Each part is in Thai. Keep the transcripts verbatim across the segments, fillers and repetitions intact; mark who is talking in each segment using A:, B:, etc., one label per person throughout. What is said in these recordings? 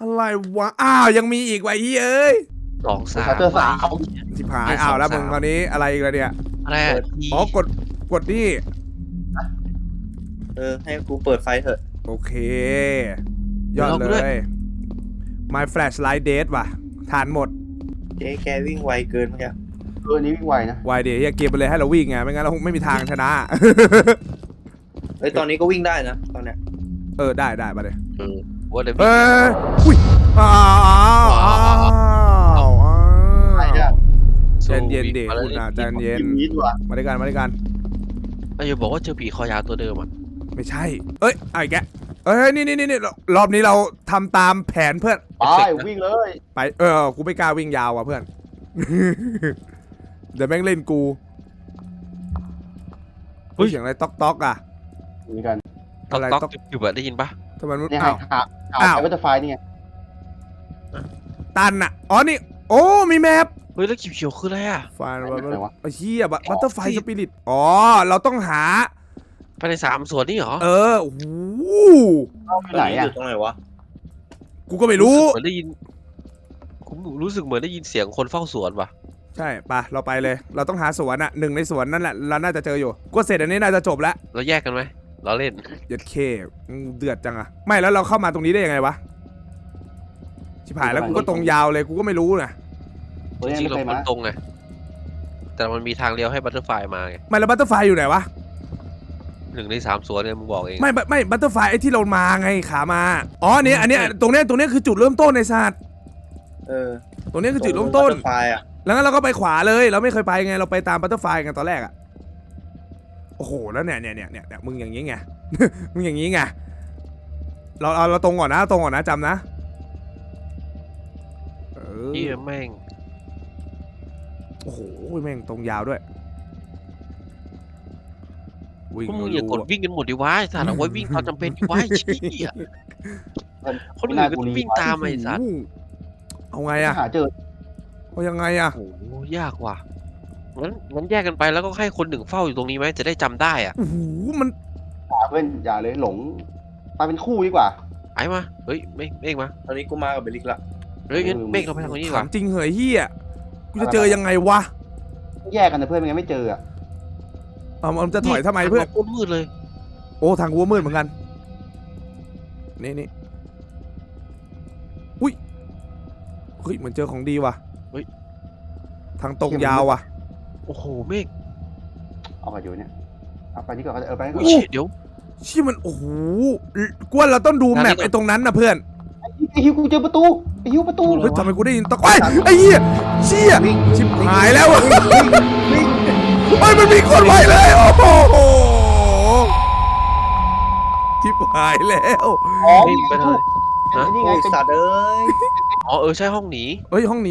A: อะไรวะอ้าวยังมีอีกไว้เอ้ย
B: สองสาม
C: เจอสาว
A: สิบหายอ้าวแล้วมึงตอนนี้อะไรอีกแล้วเนี่ย
B: อะไร
A: อ๋อกดกดนี่
D: เออให้กูเปิดไฟเถอะ
A: โอเคยอดเลย My Flashlight Dead ว่ะทานหมด
D: เจ๊แกวิ่งไวเกินเมื่อกี้
C: เออนี้วิ่งไวนะ
A: ไวเดี๋ยวเกมไปเลยให้เราวิ่งไงไม่งั้นเราไม่มีทางชนะ
D: เอ้ยตอนนี้ก็วิ่งได้นะตอนเนี้ย
A: เออได้ได้มาเลย
B: เออว่าเดี๋ยว
A: เอ้ยอุ้ยอ้าวอ้าวอ้าว
C: ใครเนี่ย
A: ใจเย็นดิคุณอาใจเย็น
C: ยิงนี้ดีกว่า
A: มาด้วยกันมาด้วยกัน
B: ไอ้จะบอกว่าเจอผีคอยาวตัวเดิมอ่ะ
A: ไม่ใช่เอ้ยไอ้แกเอ้ยนี่นี่นี่รอบนี้เราทำตามแผนเพื่อน
C: ไปวิ่งเลย
A: ไปเออกูไม่กล้าวิ่งยาวอ่ะเพื่อน เดี๋ยวแม่งเล่นกูเฮ้ยเสียงอะไรต๊อกต๊อกอ่ะ
C: มีกัน
B: ต๊อก
A: อะไร
B: ต๊อก
A: ต๊อก
B: อยู่แบบได้ยินปะ
A: ทำไมมัน
C: เนี่ยหา
A: อ้าว
C: หาหา
A: อ้าว
C: ไอ้วัตเตอร์ไฟนี่ไง
A: ตันอ่ะอ๋อนี่โอ้มีแมป
B: เฮ้ยแล้วเขียวๆคืออะไรอ่ะ
A: ฟานบัตไอ้เหี้ยบัตเตอร์ไฟสปิริตอ๋อเราต้องหา
B: ภายในสามส่วนนี่เหรอ
A: เออโอ้โห
C: เข้าไปไหน
D: อ
C: อ่ะ
D: ยู่ตรงไหนวะ
A: กูก็ไม่รู้
B: เหมือนได้ยินผมรู้สึกเหมือนได้ยินเสียงคนเฝ้าสวนว่ะ
A: ใช่ปะเราไปเลย เราต้องหาสวนอ่ะหนึ่งในสวนนั่นแหละเราน่าจะเจออยู่ก็เสร็จอันนี้น่าจะจบแล้ว
B: เราแยกกันไหมเราเล่น
A: ยัดเคเดือดจังอะไม่แล้วเราเข้ามาตรงนี้ได้ยังไงวะชิบหายแล้วกูก็ตรงยาวเลยกูก็ไม่รู้นะ
C: ตัว
B: จ
C: นี้
B: ริงๆ
C: ไม่
B: เรา
C: เคย
B: มั
C: มาน
B: ตรงไงแต่มันมีทางเลี้ยวให้บัตเตอร์ไฟมาไง
A: ไม่แล้วบัตเตอร์ไฟอยู่ไหนวะ
B: หนึ่งในสามส่วนเนี่ยมึงบอกเอง
A: ไม่ไม่บัตเตอร์ไฟไอ้ที่เรามาไงขามาอ๋ออันนี้อันนี้ตรงเนี้ยตรงเนี้ยคือจุดเริ่มต้นในศาสตร์
D: เออ
A: ตรงเนี้ยคือจุดเริ่มต้น
D: ไฟอ่ะ
A: แล้วงั้นเราก็ไปขวาเลย เราไม่เคยไปไงเราไปตามบัตเตอร์ไฟกันตอนแรกอะโอ้โหแล้วเนี่ยเนี่ยเนี่ยเนี่ยเนี่ยมึงอย่างนี้ไง มึงอย่างนี้ไงเราเราเราตรงก่อนนะตรงก่อนนะจำนะเออ
B: นี่แม่ง
A: โอ้โหแม่งตรงยาวด้วยวิ่ง
B: พวกมึงอย่ากดวิ่งกันหมดดิวะไอ้สัตว์เอาไว้วิ่งตอนจำเป็นดิวะไอ้เชี่ยคนอื่นก็วิ่งตามไอ้สัตว์
A: เอาไงอะ
C: หาเจอ
A: เอายังไงอะ
B: โอ้โหยากว่ะงั้นงั้นแยกกันไปแล้วก็ให้คนหนึ่งเฝ้าอยู่ตรงนี้ไหมจะได้จำได้อ่ะ
A: โอ้โหมัน
C: อย่าเพื่อนอย่าเลยหลงไปเป็นคู่ดีกว่า
B: ไอ้มาเฮ้ยเมฆเมฆมา
D: ตอนนี้กูมากับเบลิกละ
B: เฮ้ยงั้นเมฆเราไปทางนี้ดีก
A: ถา
B: ว่าม
A: จริงเหยเฮียกูจะเจอยังไงวะ
C: แยกกันนะเพื่อนไม่งั้นไม่เจออ่ะ
A: เอามันจะถอยทำไมเพื่อน
B: โคตรมืดเลย
A: โอ้ทางกูก็มืดเหมือนกันนี่นี่อุ้ยเฮ้ยเหมือนเจอของดีว่ะเฮ้ยทางตรงยาวว่ะ
B: โอ้โหเมฆ
C: เอาไปอยู่เนี่ยเอาไปนี่ก่อนเออไปนี่ก่
B: อุ้
C: อย น
B: เชี่ยเดี๋ยว
A: เชี่ยมันโอ้โหกวนเราต้องดูแมปไอ้ตรงนั้นนะเพื่อน
C: ไอ้ฮิวกูเจอประตูไอ้ฮิวประตู
A: เฮ้ยทำไมกูได้ยินตะไคร้ไอ้เหี้ยเชี่ย
D: วิ่ง
A: ชิบหายแล้วอะ
D: วิ่ง
A: เฮ้ยมันมีคนไปเลยโอ้โหชิบหายแล้ว
C: อ๋อ
B: เมฆไปทางไหน
C: ไอ้นี่ไง
D: โอ้ย
C: เป็น
D: สัตว์เอ้ย
B: อ๋อเออใช่ห้องหนี
A: เฮ้ยห้องหนี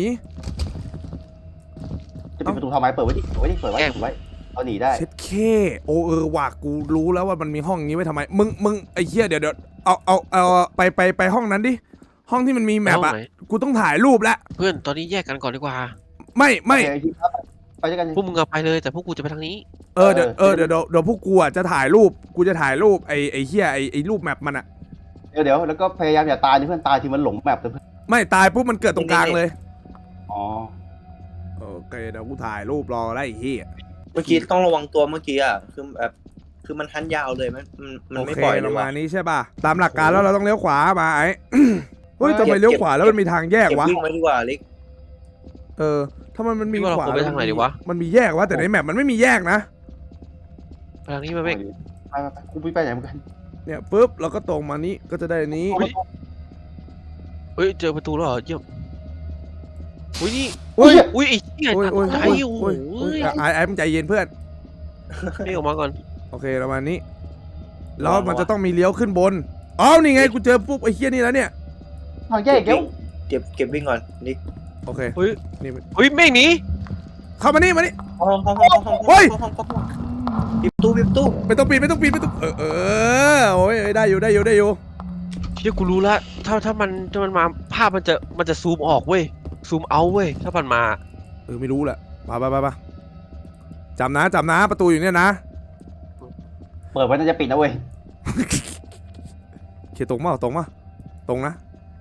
C: จะปิดประตูทำไมเปิดไว้ดิเปิดไว้ดิเปิดไว้
B: แกล้ง
C: เปิดไว้เอาหนีได้
A: เช็ดเคโอเออว่ะกูรู้แล้วว่ามันมีห้องนี้ไว้ทำไมมึงมึงไอ้เหี้ยเดี๋ยวเดี๋ยวเอาเอาเอาไปไปไปห้องนั้นดิห้องที่มันมีแมป
B: ห้อง
A: อะ
B: ไหน
A: กูต้องถ่ายรูปแล้ว
B: เพื่อนตอนนี้แยกกันก่อนดีกว่า
A: ไม่ไม่
C: โอเคฮิวครับไปด้วยกัน
B: พวกมึงเอาไปเลยแต่พวกกูจะไปทางนี้
A: เออเดี๋ยวเออเดี๋ยวเดี๋ยวเดี๋ยวพวกกูอ่ะจะถ่ายรูปกูจะถ่ายรูปไอ้ไอ้เหี้ยไอ้ไอ้รูปแมปมันอะ
C: เดี๋ยวเดี๋ยวแล้วก็พยายามอย่าตายนะเพื่อนตายทีมันหลงแมปเลยเพื่อน
A: ไม่ตายปุ๊บมันเกิดตรงกลางเลย
C: อ๋อ
A: โอเคเดี๋ยวกูถ่ายรูปรอได้ไอ้เหี้ย
D: เมื่อกี้ต้องระวังตัวเมื่อกี้อ่ะคือแบบคือมันทันยาวเลยมันมันมัน
A: โอ
D: ไม่
A: เค
D: ปล่อยเล
A: ป
D: ย
A: ระมา
D: ว่ะ
A: ณนี้ใช่ป่ะตามหลักการแล้วเราต้องเลี้ยวขวามาไอ้ เฮ้ยทำไมเลี้ยวขวาแล้วมันมีทางแยก
D: เก็บ
A: วะ
D: วิ่งไว้ดีกว่าลิก
A: เออถ้ามันมันมี
B: พี่ว่าเรา
A: ขวา
B: ควรไปทางไหนดีวะ
A: มันมีแยกวะแต่ในแมปมันไม่มีแยกนะ
B: ไปทางนี้มาเมฆ
C: ไปไปไปกูไปไปไหนเหมือนกัน
A: เนี่ยปุ๊บเราก็ตรงมานี้ก็จะได้อันนี้
B: เฮ้ย เฮ้ยเจอประตูแล้วเหรอเยี่ยมอุ้ยนี่
A: อุ้ย
B: อุ้ยไอ้เหี้ย
A: โอ้ย
B: ตัด
A: โอ้ย
B: ใจ
A: โอ้ย
B: โอ้โห
A: โอ้ยโอ้ยไอ้ไอ้มึงใจเย็นเพื่อน
B: เมฆออกมาก่อน
A: โอเคประมาณนี้แล้วมันจะต้องมีเลี้ยวขึ้นบนอ๋อนี่ไงกูเจอปุ๊บไอ้เหี้ยนี่แล้วเนี่ย
C: ทางแยกอีกแล้ว
D: เก็บเก็บวิ่งก่อนลิก
A: โอเค
B: เฮ้ย
A: นี่
B: เฮ้ยเมฆหนี
A: เข้ามานี่มานี่
D: ห้องห้องห้องห้อง
A: เฮ้ย
D: ห้องห้องห้องห้องปิดประตูปิดประตู
A: ไม่ต้องปีนไม่ต้องปีนไม่ต้องเออเออโอ้ยได้อยู่ได้อยู่ได้อยู่
B: เชี่ยกูรู้ละถ้าถ้ามันถ้ามันมาภาพมันจะมันจะซูมออกเว้ยซูมเอาเว้ยถ้ามันมา
A: เออไม่รู้แหละไปไปไปไปจำนะจำนะประตูอยู่เนี่ยนะ
C: เปิดไว้น่าจะปิดนะเว้ย
A: เขียนตรงมาตรงมาตรงนะ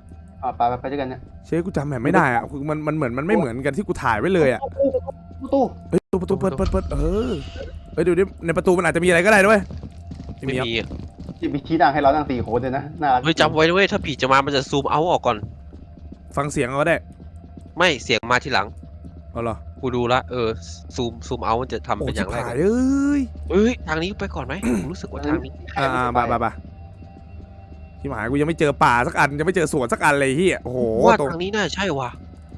C: อ่ะไปไปไปด้วยกันเนี่ย
A: เชฟกูจำแบบไม่ได้อะคือมันมันเหมือนมันไม่เหมือนกันที่กูถ่ายไว้เลยอะ
C: ประตู
A: เฮ้ยประตูเปิดเปิดเปิดเออเฮ้ยดูดิในประตูมันอาจจะมีอะไรก็ได้ด้วย
B: ไม่มีอะ
C: ที่มีชี้นั่งให้เรานั่งสี่คนเลยนะน่ารัก
B: เฮ้ยจำไว้ด้วยถ้าผีจะมามันจะซูมเอาออกก่อน
A: ฟังเสียงเอาก็ได้
B: ไม่เสียงมาทีหลัง
A: เอาเหรอ
B: กูดูละเออซูมซูมเอามันจะทำ
A: โอ้
B: เป็นอ
A: ชิบ
B: ย่างไร
A: หายเอ้ย
B: เฮ้ยทางนี้ไปก่อนไหม ผมรู้สึกว่าทางนี้
A: อ่าๆมามามาชิบหายกูยังไม่เจอป่าสักอันยังไม่เจอสวนสักอันเลยเฮียโอ้โห
B: ว่า
A: ตรง
B: ทางนี้น่าใช่ว่ะ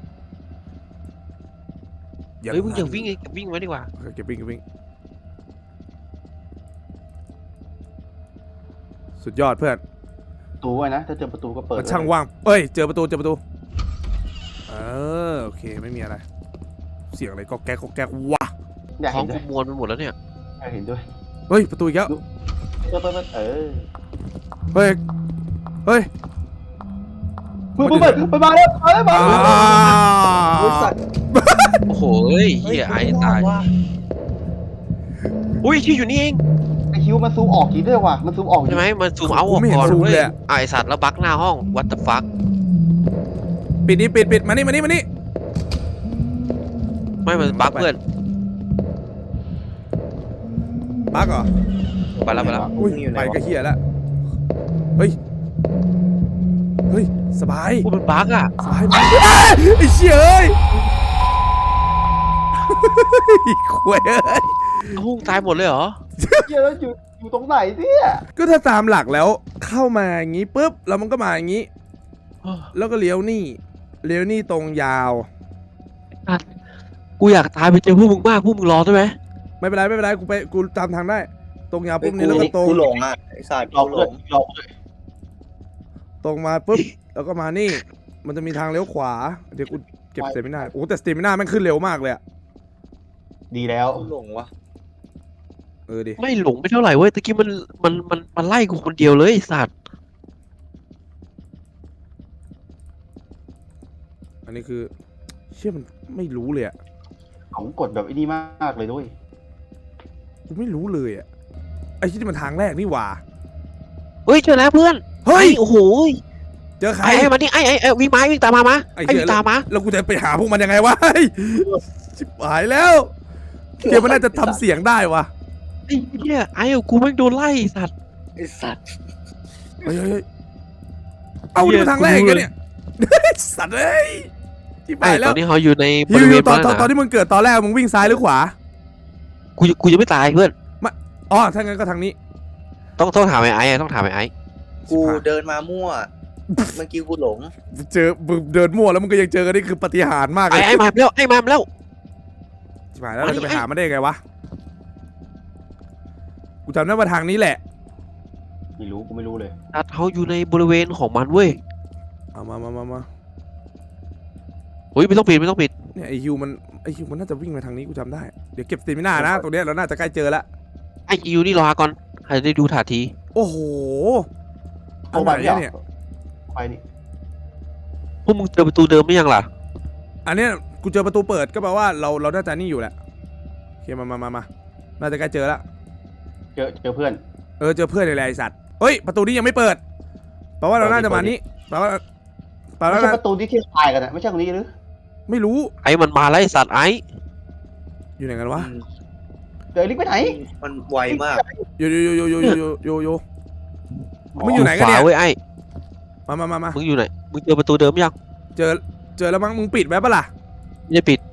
B: เฮ้ยมึงอย่าวิ่งไงเก็บวิ่งไว้ดีกว่า
A: เออเก็บวิ่งเก็บวิ่งสุดยอดเพื่อน
C: ประตูไว้นะถ้าเจอประตูก็เปิด
A: มันช่างว่างเอ้ยเจอประตูเจอประตูเออโอเคไม่มีอะไร เสียงอะไรก็แก๊กก็แก๊กวะ
C: อยาก
B: ท้อ
C: เห็
B: ง
C: นด้วย
B: กูมวนไปหมดแล้วเนี่ย
C: อยากเห็นด้วย
A: เฮ้ยประตูอีกแล้ว
C: เปิดเปิดเปิดเออ
A: เฮ้ยเฮ้ย
C: เปิดเปิดเปิดเปิดมาแล้วมาแล้วมา
A: อ่า
C: แล้วบริษัท
B: โอ้โหเฮ้ยเฮียไอ้ตายอุ้ยที่อยู่นี่เอง
C: ไอคิวมันซูมออกกี่ด้วยวะมันซูมออก
B: ใช่ไหมมันซูมเอาออกก่อนเว้ยไอสัตว์แล้วบักหน้าห้อง what the fuck
A: ปิดนี่ปิดปิดมานี่มานี่มานี่
B: ไม่มันบักเพื่อน
A: บักเหรอ
B: ไปแล้วไปแล้ว
A: อุ้ยไปก็เฮียแล้วเฮ้ยเฮ้ยสบาย
B: พูดมันบักอ่ะ
A: สบายมากเอ้ยไอ้เชี่ยเอ้ยขวยเอ้ย
B: เอ้าตายหมดเลยเหรอ
C: เยอะอยู่อยู่ตรงไหนเนี่ย
A: ก็ถ้าตามหลักแล้วเข้ามาอย่างงี้ปุ๊บแล้วมันก็มาอย่างงี้ แล้วก็เลี้ยวนี่เลี้ยวนี่ตรงยาว
B: กูอยากตายไปเจอพวกมึงมากพวกมึงรอได้ไหม
A: ไม่เป็นไรไม่เป็นไรกูไปกูตามทางได้ ตรงยาวปุ๊บนี้แล้วก็ตรง
D: กูหลงอ่ะไอ้สัตว์
C: เรา
D: กูห
C: เล
D: ล
C: ย
D: ง
C: เราเลย
A: ตรงมาปุ๊บแล้วก็มานี่ มันจะมีทางเลี้ยวขวาเดี๋ยวกูเก็บสเตมิน่าโอ้แต่สเตมิน่าแม่งขึ้นเร็วมากเลยอะ
C: ดีแล้ว
D: กูหลงวะ
A: เออดิ
B: ไม่หลงไม่เท่าไหร่เว้ยตะกี้มันมันมันมันไล่กูคนเดียวเลยไอ้สัตว์
A: อันนี้คือเชื่อมันไม่รู้เลยอะ
C: ของกดแบบไอ้นี่มากเลยด้วย
A: กูไม่รู้เลยอะไอ้ที่มันทางแรกนี่หว่า
B: เฮ้ยเจอแล้วเพื่อน
A: เฮ้ย
B: ไอ้โอ้โห
A: เจอใคร
B: ไอ้ไอ้มานี่ไอ้ไอ้ไอ้วิ่งมาวิ่งตามมามา
A: ไอ้
B: ไอ้
A: เหี้ย
B: วิ่งตามมา
A: แล้วกูจะไปหาพวกมันยังไงวะเฮ้ยชิบหายแล้วเกมมันน่าจะทำเสียงได้วะ
B: ไอ้เหี้ยไอ้กูแม่งโดนไล่ไอ้สัตว์
D: ไอ้สัตว์
A: เฮ้ยเฮ้ยเฮ้ยเอานี่มาทางแรกกันเนี่ย สัตว์เอ้ยชิบ
B: ไอ้
A: หาย
B: ต
A: แล้
B: อ
A: วน
B: นี้เขาอยู่ในบ
A: ฮิว
B: ริเว
A: ฮิว
B: ณ
A: ตอน
B: นั้น
A: ตอนตอน
B: นะ
A: ที่มึงเกิดตอนแรกมึงวิ่งซ้ายหรือขวา
B: กูกูยังไม่ตายเพื่อน
A: อ๋อถ้างั้นก็ทางนี้
B: ต้องต้องถามไอ้ไอ้อะต้องถามไอ้ไอ้
D: กูเดินมามั่ว เมื่อกี้กูหลง
A: เจอมึงเดินมั่วแล้วมึงก็ยังเจอกันนี่คือปาฏิหาริย์มากเล
B: ไอ้
A: ย
B: ไอ้มาแล้วไอ้มาแล้ว
A: ชิบหายแล้วเราจะไป
B: ไอ้
A: หามันได้ยังไงวะกูจำได้ว่าทางนี้แหละ
C: ไม่รู้กูไม่รู้เลย
B: ตัดเขาอยู่ในบริเวณของมันเว้ย
A: เอามามามามา
B: เฮ้ยไม่ต้องปิดไม่ต้องปิด
A: เนี่ยไอฮิวมันไอฮิวมันน่าจะวิ่งมาทางนี้กูจำได้เดี๋ยวเก็บสเตมิน่านะตรงเนี้ยเราน่าจะใกล้เจอแล้ว
B: ไอ้ยูนี่รอก่อนให้ได้ดูท่าที
A: โอ้โหอั
C: เอา
A: น
C: ไป
A: ไหน
C: เนี่ย
A: เนี่ย
C: ไปนี่
B: พวกมึงเจอประตูเดิมหรือยังล่ะ
A: อันเนี้ยกูเจอประตูเปิดก็แปลว่าเราเราน่าจะนี่อยู่แหละโอเคมามามามาน่าจะใกล้เจอแล้ว
C: เจอเจอเพื่อน
A: เออเจอเพื่อนในแหละไอสัตว์เฮ้ยประตูนี้ยังไม่เปิดแปลว่าเราน่าจะมานี้แปลว่าแปล
C: ไม่
A: ว่า
C: ใช่ประตูที่ที่ตายกันนะไม่ใช่ตรงนี้หรือ
A: ไม่รู้
B: ไอ้มันมาแล้วไอ้สัตว์ไอ้
A: อยู่ไหนกันวะ
C: เดี๋ยวลิกไปไหน
D: มันไวมาก
A: โยโยโยโยโยโยโยโย มึงอยู่ไหนกันเนี่ย
B: ขวาเว้ยไอ้
A: มามามามา
B: มึงอยู่ไหนมึงเจอประตูเดิมยัง
A: เจอเจอแล้วมั้งมึงปิดไว้ปะล่ะ
B: ไม่ได้ปิด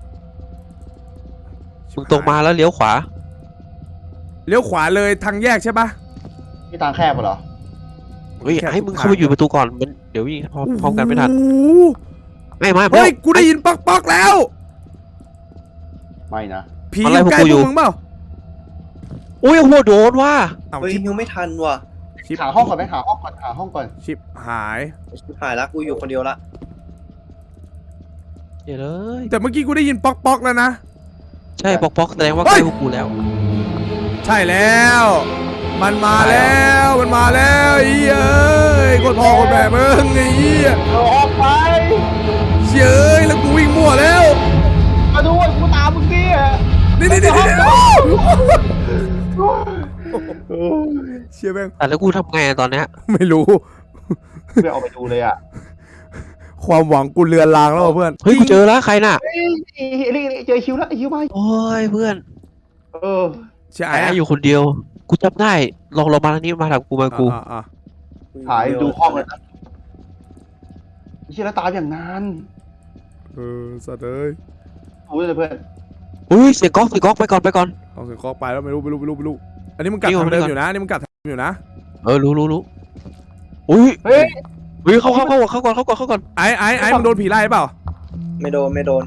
B: มึงตรงมาแล้วเลี้ยวขวา
A: เลี้ยวขวาเลยทางแยกใช่ปะ
C: ที่ทางแคบเหรอ
B: เฮ้ย
A: แค่
B: ไอ้มึง
A: ทุก
B: เข้าไป
A: ทาง
B: อยู่ประตูก่อนมันเดี๋ยววิ่งพร้อมพร้อมกันไม่ทัน
A: โอ้โห
B: ไอ้มา
A: เฮ้ยกูได้ยินป๊อกป๊อกแล้ว
C: ไม่นะ
A: ผีอยู่ใกล้พวกมึงเปล่า
B: โอ้ยโอ้โหโดนว่ะ
A: เอา
D: เฮ้ย
A: ชิป
D: ฮิวไม่ทันว่ะ
A: ชิป
C: หาห้องก่อนไหมหาห้องก่อนหาห้องก่อน
A: ชิปหาย
D: ชิบหายละกูอยู่คนเดียวละ
B: เดี๋ยวเลย
A: แต่เมื่อกี้กูได้ยินป๊อกป๊อกแล้วนะ
B: ใช่ปอกปอกแสดงว่า
A: เฮ้
B: ใกล้
A: ย
B: พวกกูแล้ว
A: ใช่แล้ว มันมาแล้วมันมาแล้วไอ้เหี้ยเอ้ยคนพ่อคนแม่มึงไอ้เหี้ย
C: เราออกไป
A: เฉยแล้วกูวิ่งมั่วแล้ว
C: มาดูว่ากูตามมึงดิ
A: นี่นี่นี่นี่เชี่ยแม่ง
B: แต่แล้วกูทำไงอะตอนเนี้ย
A: ไม่รู้
C: ไม่ออกไปดูเลยอ่ะ
A: ความหวังกูเลือนลางแล้วว่ะเพื่อน
B: เฮ้ยกูเจอแล้วใครน่ะ
C: เฮ้ยนี่นี่เจอคิวแล้วไอ้คิวมา
B: โอ้ยเพื่อน
C: เออ
A: ใช่
B: ไอ้อยู่คนเดียวกูจำได้ลองลองมาทางนี้มาทางกูมากู
A: อ่าอ่า
C: หายดูห้องเลยนะไอ้เชี่ยแล้วตามอย่างนาน
A: เออสัตว์เอ้ย
C: โอ้ยเลยเพื่อน
B: อุ้ยเสียงก๊อกเสียงก๊อกไปก่อนไปก่อน
A: เอาเสียงเคาะไปแล้วไม่รู้ไม่รู้ไม่รู้ไม่รู้อันนี้มึงกลับ
B: นี่
A: ทางเดิม
B: ก่อน
A: อยู่นะอันนี่มึงกลับทางเดิมอยู่นะ
B: เออรู้รู้รู้อุ้ย
C: เฮ้ย
B: เฮ้ยเข้าเข้าเข้าเข้าก่อนเข้าก่อนเข้าก่อน
A: ไอ้ไอ้ไอ้มึงโดนผีไล่เปล่า
D: ไม่โดนไม่โดน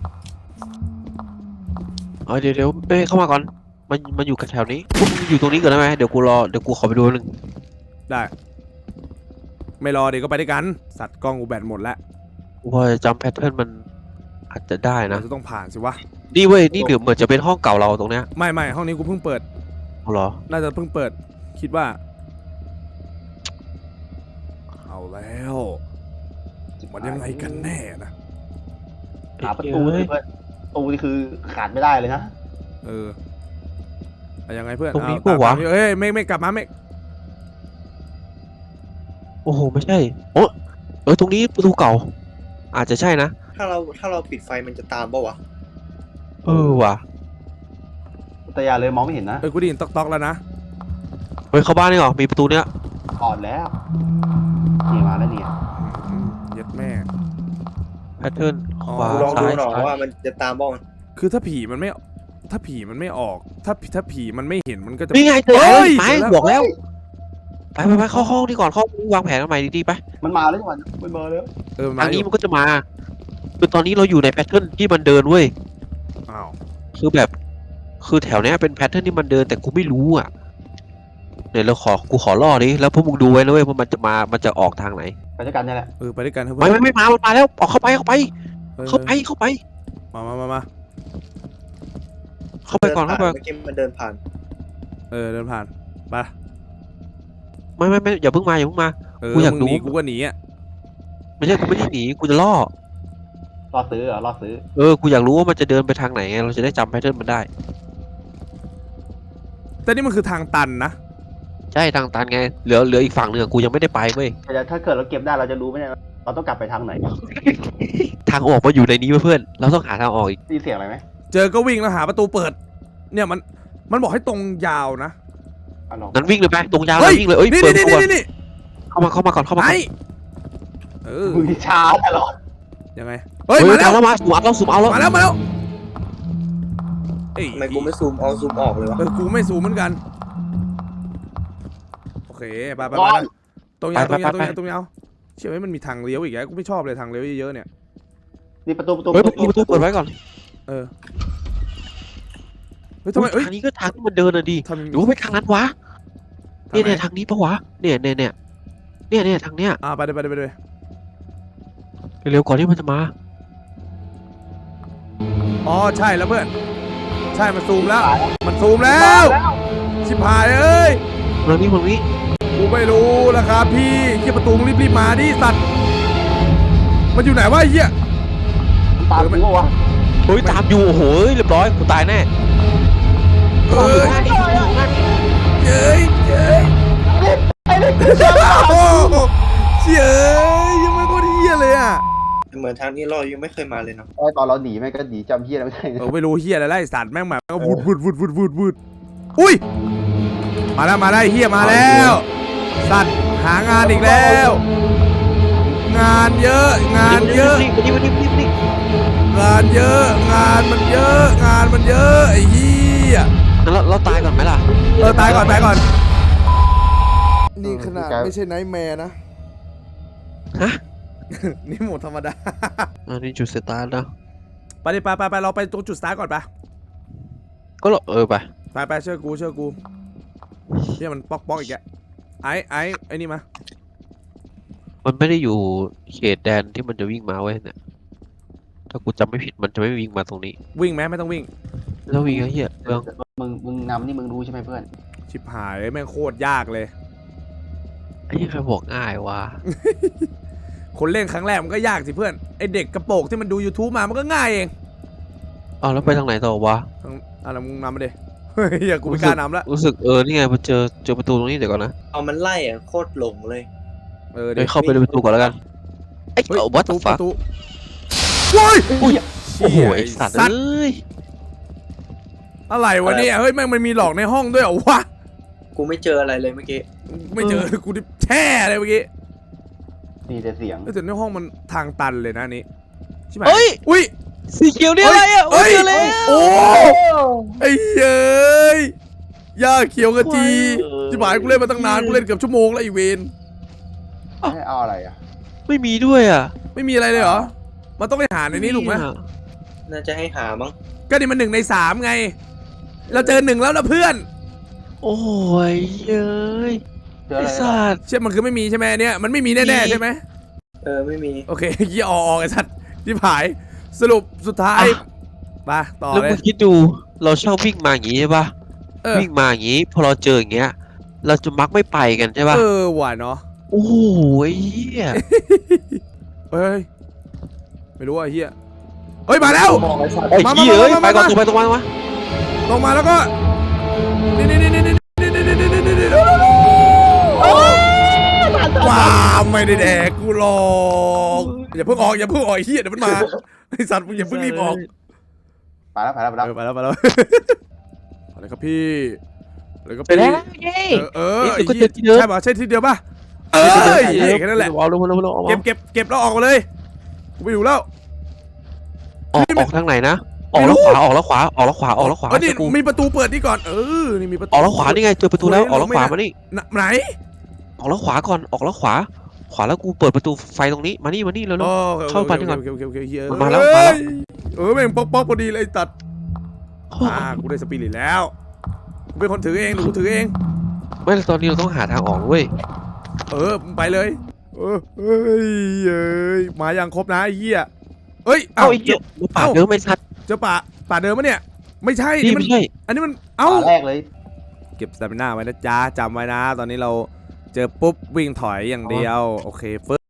B: เออเดี๋ยวเดี๋ยวเอ้ยเข้ามาก่อนมันมันอยู่แถวนี้พวกมึงอยู่ตรงนี้ก่อนได้ไหมเดี๋ยวกูรอเดี๋ยวกูขอไปดูนึง
A: ได้ไม่รอเดี๋ยวก็ไปด้วยกันสัตว์กล้องกูแบตหมดแล้ว
B: กูพอจะจำแพทเทิร์นมันอาจจะได้
A: เรา
B: นะ
A: จะต้องผ่านสิวะ
B: นี่เว้ยนี่เดี๋ยวเหมือนจะเป็นห้องเก่าเราตรงเนี้ย
A: ไม่ไม่ห้องนี้กูเพิ่งเปิด
B: เอาเหรอ
A: น่าจะเพิ่งเปิดคิดว่าเอาแล้วมันยังไงกันแน่นะ
C: หาประตูเลยเพื่อนประตูนี่คือขาดไม่ได้เลยนะ
A: เออเอายังไงเพื่อน
B: ตรงนี้
A: เอา
B: ปะวะ
A: ตามนี้เอ้ยไม่ไม่กลับมาไม่
B: โอ้โหไม่ใช่โอ้เออตรงนี้ประตูเก่า อาจจะใช่นะ
D: ถ้าเราถ้าเราปิดไฟมันจะตามป่าวะ
B: เออว่ะ
C: แต่อย่าเลยมองไม่เห็นนะ
A: เออกูได้ยินต๊อกต๊อกแล้วนะ
B: เฮ้ยเข้าบ้านนี่เหรอมีประตูเนี้ย
C: อ่อนแล้วนี่มาแล้วเนี่ย
A: อืมเย็ดแม่
B: แพทเทิร์นขวา
D: ลองดู
B: ซ้าย
D: หน่อย
B: ซ้าย
D: ว่ามันจะตามบ้าง
A: คือถ้าผีมันไม่ถ้าผีมันไม่ออก ถ้าถ้าผีมันไม่เห็นมันก็จะ
B: นี่ไงเจอ
A: เฮ้
B: แล้ว
A: ย
B: ไป
A: เจอแล้ว
B: บอกแล้วไปไปไปเข้าห้องนี่ก่อนเข้าวางแผนกันใหม่ดีๆไป
C: มันมาแล้วจังหวะมันมาแล้ว
A: เออมา
B: ทาง
A: อ
B: นี้
A: ยู่
B: มันก็จะมาคือตอนนี้เราอยู่ในแพทเทิร์นที่มันเดินเว้ย
A: อ้าว
B: คือแบบ คือแถวเนี้ยเป็นแพทเทิร์นที่มันเดินแต่กูไม่รู้อ่ะเนี่ยเราขอกูขอล่อดิแล้วพวกมึงดูไว้นะเว้ยว่ามันจะมามันจะออกทางไหน
C: ไปด้วยกันนี่แหละ
A: เออไปด้วยกันเถอะ
B: ไม่
A: เพื่อน
B: ไม่ไม่มามันมาแล้วออกเข้าไปเข้าไป
A: ออ
B: เข้าไปเข้าไป
A: มามามามา
B: เข้าไปก่อนเข้าไป
D: เมื่อกี้มันเดินผ่าน
A: เออเดินผ่านไป
B: ไม่ไม่ไม่อย่าเพิ่งมาอย่าเพิ่งมา
A: เออ
B: กูอยาก
A: มึงหนี
B: รู้
A: กูก็หนีอ่ะ
B: ไม่ใช่กูไม่ได้หนีกูจะล่อ
C: รอซื้อเหรอรอซื้อ
B: เออกูอยากรู้ว่ามันจะเดินไปทางไหนไงเราจะได้จำแพทเทิร์นมันได้
A: แต่นี่มันคือทางตันนะ
B: ใช่ทางตันไงเหลือเหลืออีกฝั่งหนึ่งอะกูยังไม่ได้ไปเว้ย
C: แต่ถ้าเกิดเราเก็บได้เราจะรู้ไหมเนี่ยเราต้องกลับไปทางไหน
B: ทางออกมาอยู่ในนี้เว้ยเพื่อนเราต้องหาทางออกอีก
C: ได้ยินเสียงอะไรไหม
A: เจอก็วิ่งแล้วหาประตูเปิด เนี่ยมันมันบอกให้ตรงยาวนะ
C: อ่ะลอง
B: งั้นวิ่งเลยไปตรงยาวเล
A: เฮ้
B: ย
A: ย
B: วิ่งเลยเอ้ย
A: นี่
B: เปิด
A: นี่
B: ตัว
A: นี่นี่
B: เข้ามาเข้ามาก่อนเข้ามาก่อน
A: ไอ้เออ
C: มือช้าตลอด
A: ยังไงเฮ้ย
B: เฮ้ย
A: มาแล้ว
B: มาสูมเอาแล้วสูมเอาแล้ว
A: มาแล้วมาแล้วเอ้ย
D: ทำไมกูไม่ซูมเอาซูมออกเลยวะ
A: เออกูไม่สูงเหมือนกันโอเคไปไป
C: ก่
A: ไป
C: อน
A: ตรงยาวตรงยาวตรงยาวตรงยาวเชื่อไหมมันมีทางเลี้ยวอีกแล้วกูไม่ชอบเลยทางเลี้ยวเยอะๆเนี่ย
C: นี่ประตูประตู
B: เฮ้ยประตูประตูเปิดไว้ก่อน
A: เออเฮ้ยทำไมเอ้ย
B: ทางนี้ก็ทางที่มันเดินอะดิ
A: ทำ
B: หรือว่าไปทางนั้นวะเนี่ยเนี่ยทางนี้ปะวะเนี่ยเนี่ยเนี่ยเนี่ยเนี่ยทางเนี้ย
A: อ่าไปเลยไปเลยไปเลย
B: เร็วๆก่อนที่มันจะมา
A: อ๋อใช่แล้วเพื่อนใช่มันซูมแล้ว มันซูมแล้
C: มาว แล้ว
A: ชิบหายเอ้ย
B: ตรงนี้ตรงนี้
A: กูไม่รู้แล้วครับพี่เขี้ยประตูมึงรีบๆมาดิสัตว์มันอยู่ไหนวะไอ้เหี้ย
C: ตามกูวะ
B: เฮ้ยตามอยู่โอ้โหเรียบร้อยกูตายแน่
A: เอ้ยเย้ยเย้ยโอ้โหเชี่ยเอ้ยยังไม่โคตรเหี้ยเลยอ่ะ
D: เหมือนทางนี้เรายังไม่เคยมาเลยเนาะ
C: ไอ้ตอนเราหนีแม่งก็หนีจำเฮียอะไรไม่ได้
A: เออไม่รู้เหี้ยอะไรไล่สัตว์แม่งแบบก็วุดวุดวุดวุดวุดวุดอุ้ยมาแล้วมาแล้วไอ้เหี้ยมาแล้ว สัตว์หางานอีกแล้ว งานเยอะ งานเยอะ
B: นี่นี่นี่นี่นี่
A: งานเยอะ งานมันเยอะ งานมันเยอะไอ้เหี้ย
B: งั้นเราเราตายก่อนไหมล่ะ
A: เออตายก่อนตายก่อน นี่ขนาดไม่ใช่ไนท์แมร์นะ
B: ฮะ
A: นี่โหมดธรรมดา
B: อันนี้จุดสตาร์ทนะ
A: ไปดิไปไปไปเราไปตรงจุดสตาร์ทก่อนไป
B: ก็เราเออไป
A: ไปไปเชื่อกูเชื่อกูเนี่ยมันป๊อกป๊อกอีกแกไอ้ไอ้ไอ้นี่มา
B: มันไม่ได้อยู่เขตแดนที่มันจะวิ่งมาเว้ยเนี่ยถ้ากูจำไม่ผิดมันจะไม่วิ่งมาตรงนี้
A: วิ่งไหมไม่ต้องวิ่ง
B: แล้ววิ่งไอ้เหี้ยเรื่อง
C: มึงมึงนำนี่มึงรู้ใช่ไหมเพื่อน
A: ชิบหายแม่งโคตรยากเลย
B: ไอ้เหี้ยใครบอกง่ายวะ
A: คนเล่นครั้งแรกมันก็ยากสิเพื่อนไอเด็กกระโปงที่มันดู YouTube มามันก็ง่ายเอง
B: อ้าวแล้วไปทางไหนต่อวะ
A: ทางอะไรมึงนำมาดิเฮ้ยอย่ากูไม่กล้านำละ
B: รู้สึกเออนี่ไงพอเจอเจอประตูตรงนี้เดี๋ยวก่อนนะ
D: เอามันไล่อะโคตรหลงเลย
A: เออ
B: เดี๋
A: เดี๋
B: ย
A: ยว ว
B: เข้าไปในประตูก่อนแล้วกันไอไอ้
A: เฮ้ย
B: วัต
A: ประตู
B: ถุฟ้า
A: ประตูโว้ย
B: โอ้โหไอ้สัตว์เอ้ย
A: อะไรวะเนี่ยเฮ้ยแม่งมันมีหลอกในห้องด้วยเหรอวะ
D: กูไม่เจออะไรเลยเมื่อกี้
A: ไม่เจอกูดิแช่เลยเมื่อกี้
C: มีแต่เสียง
A: แต่ในห้องมันทางตันเลยนะนี่ใช่ไหม
B: เฮ้ย
A: อุ้ย
B: สีเขียวนี่อะไรอ่ะ
A: เฮ้ย
B: เจอแล้ว
A: โอ้ไอ้เย้ยยาเขียวกะจีจิ๋หายกูเล่นมาตั้งนานกูเล่นเกือบชั่วโมงแล้วไอ้เวน
C: ให้เอาอะไรอ่ะ
B: ไม่มีด้วยอ่ะ
A: ไม่มีอะไรเลยเหรอมันต้องไปหาในนี้ถูกไหม
D: น่าจะให้หามั้ง
A: ก็นี่มันหนึ่งในสามไง เราเจอหนึ่งแล้วนะเพื่อน
B: โอ้ยเย้ย
C: เจออะไร
B: ไอ้
C: อ่ะ
B: สัตว์
A: เชื่อมันคือไม่มีใช่ไหมเนี่ยมันไม่มีแน่ๆใช่ไหม
D: เออไม่มี
A: โอเคเยี่ยออกไอ้สัตว์จิ๋หายสรุปสุดท้ายมาต่อ
B: แล้ว
A: เล
B: มึ
A: ย
B: งคิดดูเราชอบวิ่งมาอย่างงี้ใช่ปะ
A: เออ
B: วิ่งมาอย่างงี้พอเราเจออย่างเงี้ย เราจะมักไม่ไปกันใช่ปะ
A: เออหวานเนาะ
B: โอ้โหไอ้เหี้ย
A: เฮ้ยไม่รู้ว่าไอ้เฮียเฮ้ยมาแล้ว
D: บอกไอ้สัตว์
B: ไอ้
A: มา
B: เหี้ย
A: มา
B: เอ้ย
A: มา
B: ไป
A: มา
B: ก่อน
A: มา
B: ตรงไปตรงมาตรงมา
A: ลงมาแล้วก็นี่นี่นี่นี่นี่นี่นี่นี่นี่นี่ว้าไม่ได้แดกกูหรอกอย่าเพิ่งออกอย่าเพิ่งออกไอ้เฮียเดี๋ยวมันมาไอ้สัตว์มึงอย่าเพิ่งรีบออก
C: ไปแล้วไปแล้วไปแล้ว
A: เออไปแล้วไปแล้วอะไรครับพี่อะไรครับ
B: ไป
A: พี่
B: แล้วเย้
A: เออเออ
B: นี่
A: ไอ้
B: ก็
A: เหี้ย
B: เจอที่เดิม
A: ใช่ป่ะใช่ที่เดียวป่ะเออแค่นั้นแหละ
B: เอาลงมาลงมาลงมา
A: เก็บเก็บเก็บแล้วออกมาเลยกูไม่อยู่แล้ว
B: ออกออกทางไหนนะออกแล้วขวาออกแล้วขวาออกแล้วขวาออกแล้วขวา
A: เออนี่
B: กู
A: มีประตูเปิดนี่ก่อนเออนี่มีประตู
B: ออกแล้วขวานี่ไงเจอประตูแล้วออกแล้วขวามานี่
A: ไหน
B: ออกแล้วขวาก่อนออกแล้วขวา ขวาแล้วกูเปิดประตูไฟตรงนี้มานี่มานี่เร็ว
A: อ๋อ
B: เข้าไปนี่ก่อน
A: โอเคโอเคโอเคโอเคเฮ้ย
B: มาแล้วมาแล้ว
A: เออแม่งป๊อกป๊อกพอดีเลยตัด
B: ๆ
A: อ่ากูได้สปิริตแล้วกูเป็นคนถือเองหรือกูถือเอง
B: ไม่ตอนนี้เราต้องหาทางออกเว้ย
A: เออไปเลยเออเฮ้ยเอ้ยมายังครบนะไอ้เหี้ยเอ้ย
B: เอ้า
A: เอ้า
B: ไอ้เหี้ยมาปาด
A: เอ้า
B: เดิมไม่ชัด
A: เจอป่าป่าเดิมปะเนี่ย ไม่ใช่
B: นี่
A: นี่มัน
B: ไม่ใช่
A: อันนี้มันเอ้า
C: ฝาแรกเลย
A: เก็บสตามิน่าไว้นะจ๊ะจำไว้นะ ตอนนี้เราเจอปุ๊บวิ่งถอยอย่างเดียว โอเคฟึ